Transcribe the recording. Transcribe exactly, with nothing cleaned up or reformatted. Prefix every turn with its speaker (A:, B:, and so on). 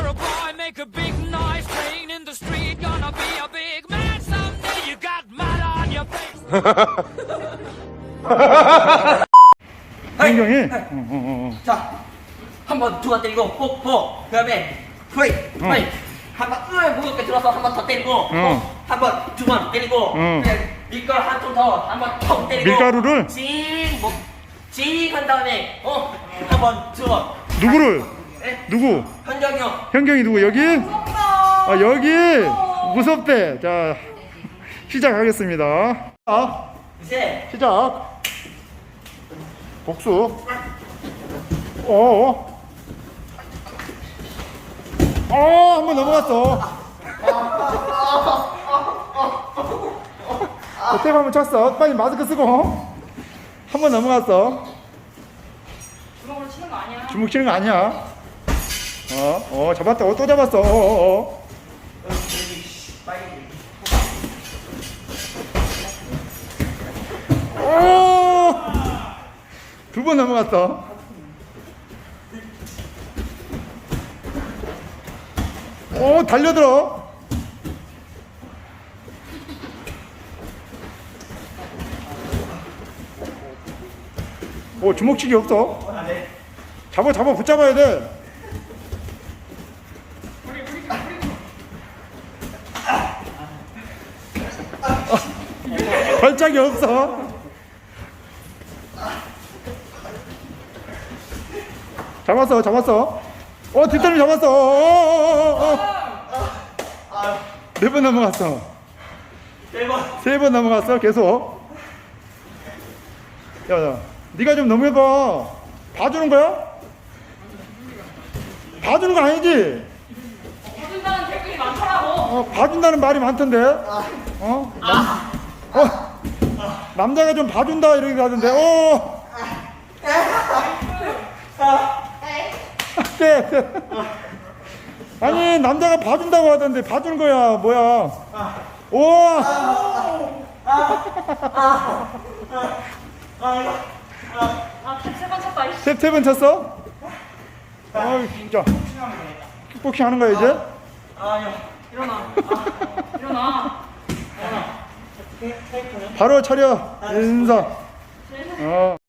A: You're a boy, make a big noise, playing in the street, gonna be a big man someday. You got mud on your face.
B: 현경이.
C: 자, 한 번 두 번 때리고 호, 호. 그다음에 후이, 후이. 한번 으 무겁게 들어서 한 번 더 때리고
B: 응.
C: 한 번 두 번 때리고
B: 응.
C: 그다음에 밀가루 한 통 더 한 번 턱 때리고
B: 밀가루를?
C: 징뭐징한 다음에 어한 번 두 번
B: 누구를?
C: 네?
B: 누구?
C: 현정이 형.
B: 현경이 누구? 여기? 아 여기 무섭대. 자 시작하겠습니다. 자
C: 이제
B: 시작. 복수. 어. 어, 한 번 넘어갔어. 자, 탭 한번 쳤어. 빨리 마스크 쓰고. 한 번 넘어갔어.
D: 주먹으로 치는 거 아니야.
B: 주먹 치는 거 아니야. 어, 어, 잡았다. 어, 또 잡았어. 어, 어, 어. 오! 두 번 넘어갔어. 오, 달려들어. 오, 주먹치기 없어. 잡아, 잡아, 붙잡아야 돼. 발작이 없어. 잡았어, 잡았어. 어, 뒷다리 잡았어. 어, 어, 어, 어. 네 번 넘어갔어.
C: 네 번.
B: 세 번 넘어갔어, 계속. 야, 야, 네가 좀 넘어봐. 봐주는 거야? 봐주는 거 아니지?
D: 봐준다는 댓글이 많더라고.
B: 어, 봐준다는 말이 많던데. 어? 남, 어? 남자가 좀 봐준다 이렇게 하던데. 어. 네, 네. 아니 남자가 봐준다고 하던데 봐주는 거야 뭐야? 오.
D: 아, 세번 쳤다. 이씨.
B: 탭 탭은 쳤어? 아 진짜. 킥복싱 하는 거야 이제?
C: 아니요.
D: 일어나. 아, 일어나.
B: 바로 차려 인사. 어.